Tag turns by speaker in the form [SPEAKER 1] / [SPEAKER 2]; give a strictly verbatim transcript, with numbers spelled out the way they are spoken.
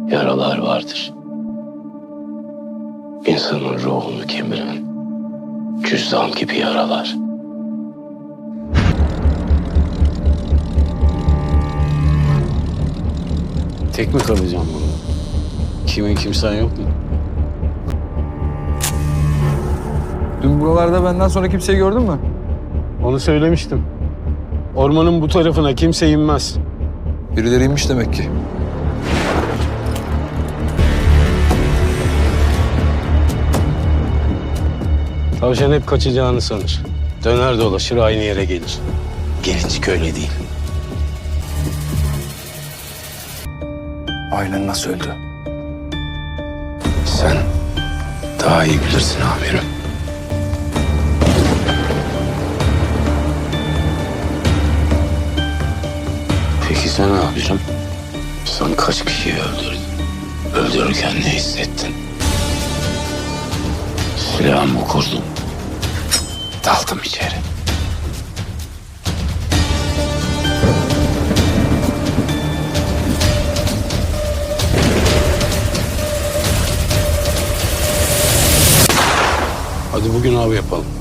[SPEAKER 1] yaralar vardır. İnsanın ruhunu kemiren cüzdan gibi yaralar.
[SPEAKER 2] Tek mi kalacağım burada? Kimin kimsen yok mu?
[SPEAKER 3] Dün buralarda benden sonra kimseyi gördün mü?
[SPEAKER 2] Onu söylemiştim. Ormanın bu tarafına kimse inmez.
[SPEAKER 3] Birileri inmiş demek ki.
[SPEAKER 2] Tavşan hep kaçacağını sanır. Döner dolaşır aynı yere gelir. Gelincik öyle değil.
[SPEAKER 3] Ailen nasıl öldü?
[SPEAKER 1] Sen daha iyi bilirsin amirim. Peki sen ne yapacaksın? Sen kaç kişiyi öldürdün? Öldürürken ne hissettin? Silahımı kurdum. Daldım içeri.
[SPEAKER 2] Hadi bugün av yapalım.